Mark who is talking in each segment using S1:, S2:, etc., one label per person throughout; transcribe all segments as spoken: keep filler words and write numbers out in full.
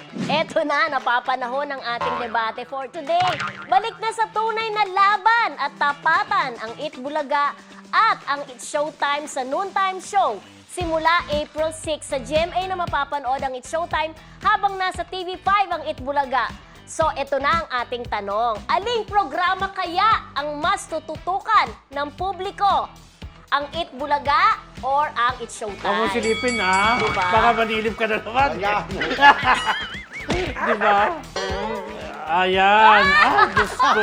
S1: Eto na, napapanahon ang ating debate for today. Balik na sa tunay na laban at tapatan ang Eat Bulaga at ang It's Showtime sa Noontime Show. Simula April six sa G M A na mapapanood ang It's Showtime habang nasa T V five ang Eat Bulaga. So, eto na ang ating tanong. Aling programa kaya ang mas tututukan ng publiko? Ang Eat Bulaga or ang It's Showtime?
S2: Huwag mo silipin, ha?
S1: Diba?
S2: Baka manilip ka na naman. Diba? Ayan. Ay, Diyos ko.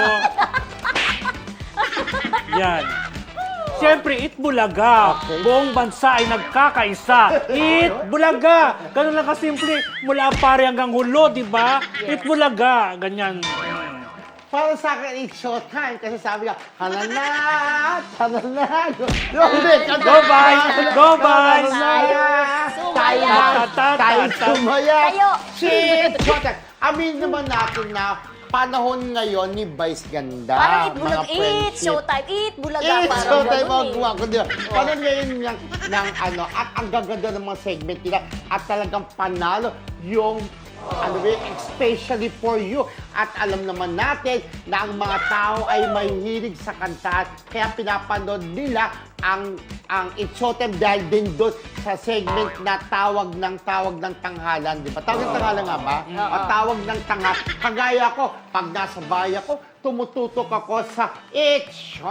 S2: Yan. Siyempre, Eat Bulaga.
S3: Okay.
S2: Buong bansa ay nagkakaisa. Eat Bulaga. Ganun lang kasimple. Mula ang pare hanggang hulo, di ba? Eat Bulaga. Ganyan.
S3: Para sa akin, it's showtime. Kasi sabi ka, hananat, hananat. Go,
S2: Go, bye! Go, bye!
S1: Tayo, sumaya.
S3: Tayo, tayo sumaya.
S1: Tayo.
S3: Shit! Showtime. Amin naman natin na panahon ngayon ni Vice Ganda.
S1: Parang Eat Bulaga.
S3: mga
S1: Eat
S3: friendship.
S1: Showtime. Eat Bulaga.
S3: Eh,
S1: Parang
S3: showtime
S1: ganun
S3: mga
S1: eh.
S3: guwa ko, di ba? Parang ngayon ng, ng ano, at ang gaganda ng mga segment nila at talagang panalo yung ano ba, yun, especially for you. At alam naman natin na ang mga tao ay mahihilig sa kantahan, kaya pinapanood nila ang ang It's Showtime dahil din doon sa segment na tawag ng tawag ng tanghalan, di ba? Tawag ng tanghalan nga ba? O tawag ng tanghalan. Kagaya ko, pag nasa bahay ako, tumututok ako sa It's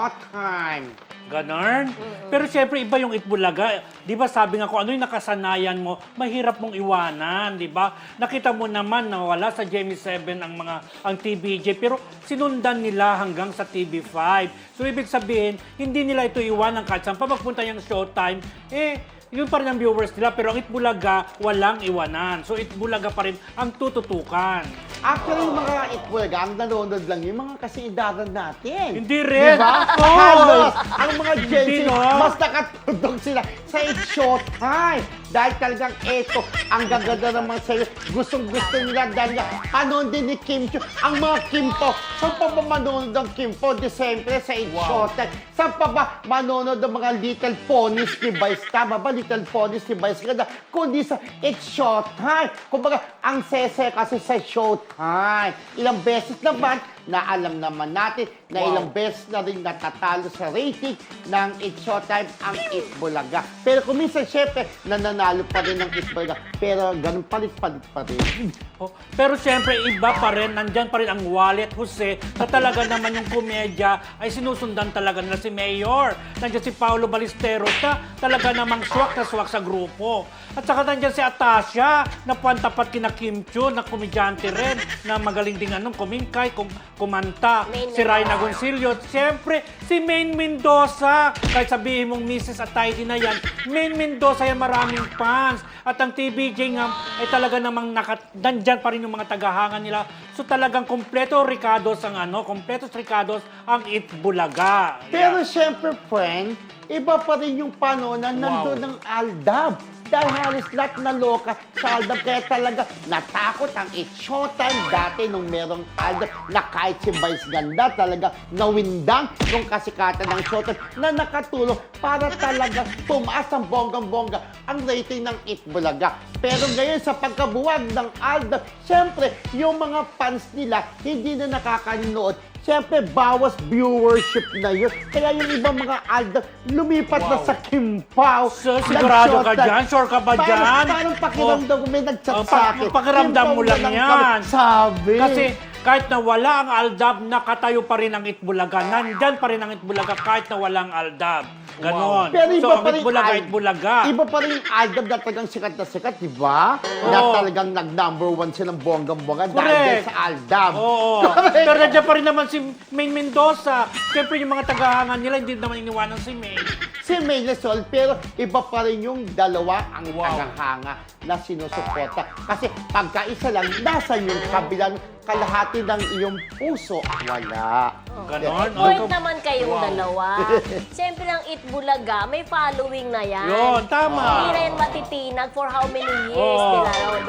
S3: Showtime.
S2: Ganon. Pero siyempre, iba yung Eat Bulaga. Di ba sabi nga ko, ano yung nakasanayan mo, mahirap mong iwanan, di ba? Nakita mo naman na wala sa G M A seven ang mga ang T V J, pero sinundan nila hanggang sa T V five. So, ibig sabihin, hindi nila ito iwanan kahit saan pa magpunta yung Showtime, eh, yun pa rin ang viewers nila, pero ang Eat Bulaga, walang iwanan. So, Eat Bulaga pa rin ang tututukan.
S3: Actually, yung mga Eat Bulaga, ang nanonood lang yung mga kasidaran natin.
S2: Hindi rin.
S3: Diba?
S2: Oo.
S3: Halos, ang mga Gen
S2: Hindi,
S3: Z,
S2: no?
S3: mas nakatudog sila sa It's Showtime. Dahil talagang eto, ang gaganda ng mga sa'yo. Gustong-gusto nila dahil nga, panon din ni Kim Chiu. Ang mga Kim po, saan pa ba manonood ang Kim po? December sa It's Showtime. Saan pa ba manonood ang mga Little Ponies ni Vice? Tama ba? Little Ponies ni Vice Ganda. Kundi sa It's Showtime. Kumbaga, ang sese kasi sa Showtime. Ilang beses naman na alam naman natin na ilang beses na rin natatalo sa rating ng It's Showtime ang Eat Bulaga. Pero kung minsan, syempre, nananalo pa rin ng Eat Bulaga. Pero ganun palit-palit pa rin.
S2: Oh, pero siyempre, iba pa rin, nandyan pa rin ang Wallet Jose, na talaga naman yung komedya ay sinusundan talaga nila si Mayor. Nandyan si Paolo Ballesteros na talaga namang swak na swak sa grupo. At saka nandyan si Atasha, na puwan-tapat kina Kim Chiu, na komedyante rin, na magaling din anong kumingkay, kum kumanta.
S1: Main
S2: Si Ryan
S1: Mendoza.
S2: Agoncillo. Siyempre, si Main Mendoza. Kahit sabihin mong Missus Ataydi na yan, Main Mendoza yan maraming fans. At ang T V J nga ay talaga namang nakat nandyan pa rin yung mga tagahangan nila. So talagang kompleto Ricados ang ano, kompletos Ricados ang Eat Bulaga.
S3: Pero syempre, friend, iba pa rin yung panahon na nandun ng Aldab. Dahil halos lahat na loka sa Aldab. Kaya talaga natakot ang It's Showtime dati nung merong Aldab na kahit si Vice Ganda talaga nawindang yung kasikatan ng Showtime na nakatulong para talaga tumaas ang bonggang-bongga ang rating ng Eat Bulaga. Pero ngayon sa pagkabuwag ng Aldab, syempre yung mga fans nila hindi na nakakanood. Siyempre, bawas viewership na yun. Kaya yung ibang mga Aldab, lumipat na sa Kim Pao.
S2: So, sigurado ka
S3: Nag-showtime.
S2: dyan? Sure ka ba dyan?
S3: Parang, parang pakiramdam ko, may nag-chat
S2: Oh,
S3: sa
S2: pa-
S3: akin.
S2: pakiramdam
S3: Kim
S2: mo
S3: Pao
S2: lang
S3: na
S2: yan.
S3: kami. Sabi.
S2: Kasi kahit na wala ang Aldab, nakatayo pa rin ang Eat Bulaga. Nandyan pa rin ang Eat Bulaga kahit na wala ang Aldab. Ganon.
S3: Pero iba
S2: So, ang
S3: pa
S2: Eat
S3: rin
S2: Bulaga,
S3: Al-
S2: Eat Bulaga.
S3: Iba pa rin yung Aldab na talagang sikat na sikat, di ba? Na
S2: Oo.
S3: talagang nag-number one silang bonggang-bongga dahil
S2: Correct.
S3: din sa Aldab.
S2: Oo.
S3: Correct.
S2: Pero nandiyan pa rin naman si Main Mendoza. Siyempre yung mga tagahangan nila, hindi naman iniwanan si Main.
S3: Si May Lasol, pero iba pa rin yung dalawa ang
S2: Wow.
S3: tagahanga na sinusuporta. Kasi pagkaisa lang, nasa yung kabilang kalahati ng iyong puso. Wala.
S2: Ganon.
S1: Point
S2: Oh,
S1: naman kayong
S2: Wow.
S1: dalawa. Siyempre lang Eat Bulaga, may following na yan.
S2: Yun, tama.
S1: Hindi na yan matitinag for how many years,
S2: Oo.
S1: di ba?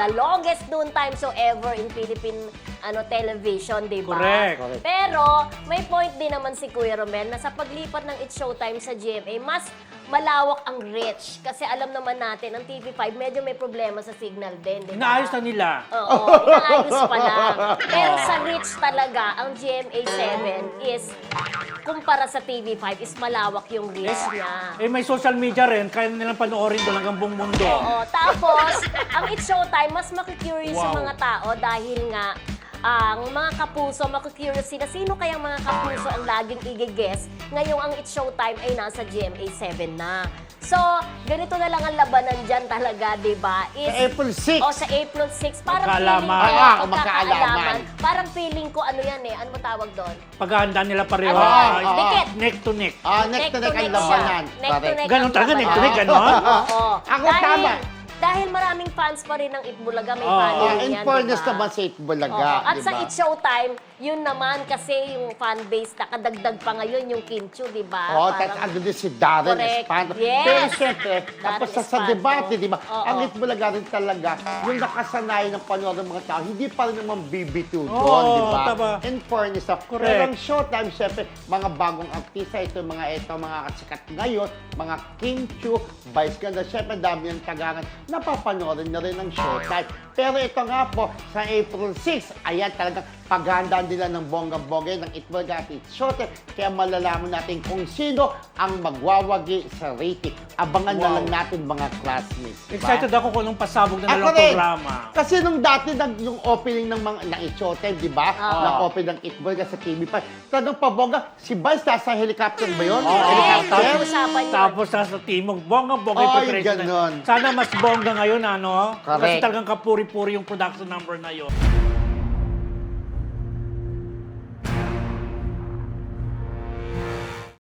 S1: the longest noontime show ever in Philippine ano television, di ba?
S2: Correct.
S3: Correct.
S1: Pero may point din naman si Kuya Romel na sa paglipat ng It's Showtime sa G M A, mas malawak ang reach. Kasi alam naman natin, ang T V five medyo may problema sa signal din, di ba?
S2: Inaayos na nila.
S1: Oo, inaayos pa lang. Pero sa reach talaga, ang G M A seven is, kumpara sa T V five, is malawak yung reach niya.
S2: Eh, may social media rin, kaya nilang panoorin doon hanggang buong mundo.
S1: Oo, tapos, ang It's Showtime, mas makikurious yung
S2: Wow.
S1: mga tao dahil nga, ang mga kapuso, makikurious sila, sino kayang mga kapuso ang laging i-guess ngayong ang It's Showtime ay nasa G M A seven na. So, ganito na lang ang labanan dyan talaga, di ba? Is-
S3: Sa April six.
S1: O, sa April six. Parang
S2: Magkaalaman.
S1: feeling ko,
S3: Ah, ah,
S1: magkakaalaman.
S3: magkaalaman.
S1: Parang feeling ko, ano yan eh, ano mo tawag doon?
S2: Paghahanda nila pareho.
S1: Ano?
S2: ay,
S1: Dikit.
S2: Neck to neck.
S3: Ah, next to next ang labanan.
S1: Neck to
S3: Correct.
S1: neck
S2: Ganon
S1: ang
S2: talaga,
S1: labanan.
S2: neck to neck, ganon?
S1: Oo.
S3: Ako
S1: dahil,
S3: tama.
S1: Dahil maraming fans pa rin ng Itbulaga, may
S2: Oo.
S1: following
S3: Ah, in
S1: yan,
S3: fairness
S1: diba?
S3: naman sa Itbulaga,
S1: Oo. At
S3: di
S1: sa
S3: ba?
S1: It's Showtime, yun naman kasi yung fan base na kadagdag pa ngayon, yung Kim Chiu, di ba?
S3: Oo,
S1: Parang-
S3: tapos ano din si Darren
S1: Correct.
S3: Espanto.
S1: Yes.
S3: Pero siyempre,
S1: Darren
S3: tapos sa, sa
S1: Espanto.
S3: debate, di ba?
S1: Oo.
S3: Ang Itbulaga rin talaga, yung nakasanayan ng panood ng mga tao, hindi pa rin naman B B two
S2: Oo,
S3: doon, di ba?
S2: tama.
S3: In fairness, ah.
S2: Correct.
S3: Pero ang Showtime, siyempre, mga bagong artista, ito mga ito, mga kasikat ngayon, mga Kim Chiu, Vice Ganda, siyempre, dami yung tagangan, napapanoorin na rin ng Showtime. Pero ito nga po, sa April six, ayan talagang paghandaan nila ng bongga-bongga ng Itbulaga at It's Showtime. Kaya malalaman natin kung sino ang magwawagi sa rating. Abangan na
S2: Wow.
S3: lang natin mga classmates. Diba?
S2: Excited ako kung nung pasabog na
S3: Ako
S2: nilang
S3: rin.
S2: programa.
S3: Kasi nung dati, nag, yung opening ng mga ng It's Showtime, di ba?
S1: Oo.
S3: Ng opening ng Itbulaga sa T V five. Talagang pabongga, si Vice nasa helicopter ba yun?
S2: Oo.
S3: Helicopter?
S1: Usapan yun.
S2: Tapos nasa timog, bongga-bongga yung
S3: Ay,
S2: preparation.
S3: ganon.
S2: Sana mas bongga ngayon, ano? Kasi
S3: Correct.
S2: talagang kapuri-puri yung production number na yun.